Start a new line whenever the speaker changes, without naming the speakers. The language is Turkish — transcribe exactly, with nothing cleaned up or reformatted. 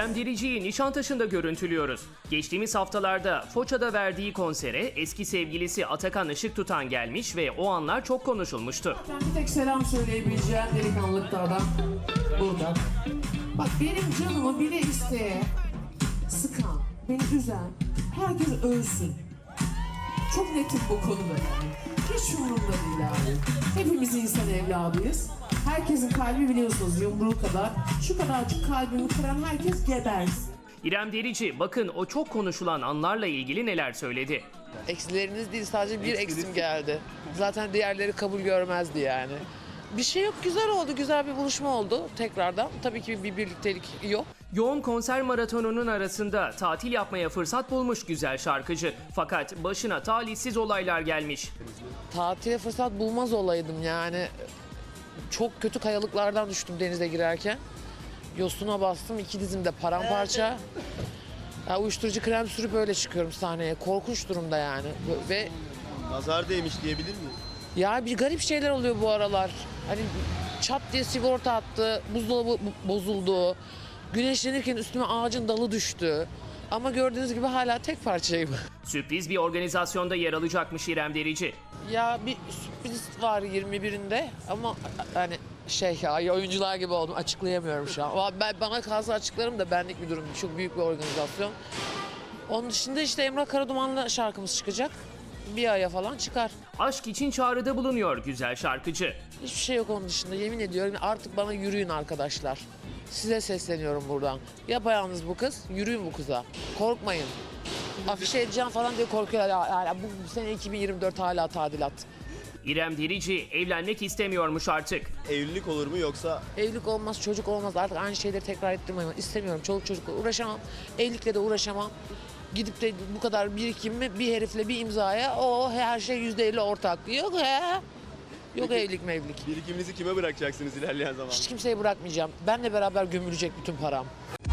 İrem Derici'yi Nişantaşı'nda görüntülüyoruz. Geçtiğimiz haftalarda Foça'da verdiği konsere eski sevgilisi Atakan Işıktutan gelmiş ve o anlar çok konuşulmuştu.
Ben bir tek selam söyleyebileceğim delikanlıklardan buradan. Bak benim canımı bile isteye sıkan, beni üzen, herkes ölsün. Çok netim bu konuda yani. Hiç umurumda değil abi. Hepimiz insan evladıyız. Herkesin kalbi biliyorsunuz yumruğu kadar. Şu kadarcık kalbimi kıran herkes gebersin.
İrem Derici bakın o çok konuşulan anlarla ilgili neler söyledi.
Eksileriniz değil, sadece bir eksim geldi. Zaten diğerleri kabul görmezdi yani. Bir şey yok, güzel oldu, güzel bir buluşma oldu tekrardan. Tabii ki bir birliktelik yok.
Yoğun konser maratonunun arasında tatil yapmaya fırsat bulmuş güzel şarkıcı. Fakat başına talihsiz olaylar gelmiş.
Tatile fırsat bulmaz olaydım yani. Çok kötü kayalıklardan düştüm denize girerken. Yosuna bastım, iki dizimde paramparça. Ya, uyuşturucu krem sürüp öyle çıkıyorum sahneye. Korkunç durumda yani. Ve
Nazar değmiş diyebilir miyim?
ya bir garip şeyler oluyor bu aralar. Hani çat diye sigorta attı, buzdolabı bozuldu. Güneşlenirken üstüme ağacın dalı düştü. Ama gördüğünüz gibi hala tek parçayım.
Sürpriz bir organizasyonda yer alacakmış İrem Derici.
Ya bir sürpriz var yirmi birinde ama hani şey ya oyuncular gibi oldum, açıklayamıyorum şu an. Ben, bana kalsa açıklarım da benlik bir durum. Çok büyük bir organizasyon. Onun dışında işte Emrah Karaduman'la şarkımız çıkacak. Bir aya falan çıkar.
Aşk için çağrıda bulunuyor güzel şarkıcı.
Hiçbir şey yok onun dışında, yemin ediyorum. Artık bana yürüyün arkadaşlar. Size sesleniyorum buradan. Yapayalnız bu kız, yürüyün bu kıza. Korkmayın. Afişe edeceğim falan diye korkuyorlar. Yani bu, bu sene iki bin yirmi dört hala tadilat.
İrem Derici evlenmek istemiyormuş artık.
Evlilik olur mu yoksa
Evlilik olmaz, çocuk olmaz. Artık aynı şeyleri tekrar ettirmem. İstemiyorum. Çoluk çocukla uğraşamam. Evlilikle de uğraşamam. Gidip de bu kadar birikimimi bir herifle bir imzaya o her şey yüzde elli ortak. Yok he. Yok evlilik mevlilik.
birikiminizi kime bırakacaksınız ilerleyen zamanda?
Hiç kimseye bırakmayacağım. Benle beraber gömülecek bütün param.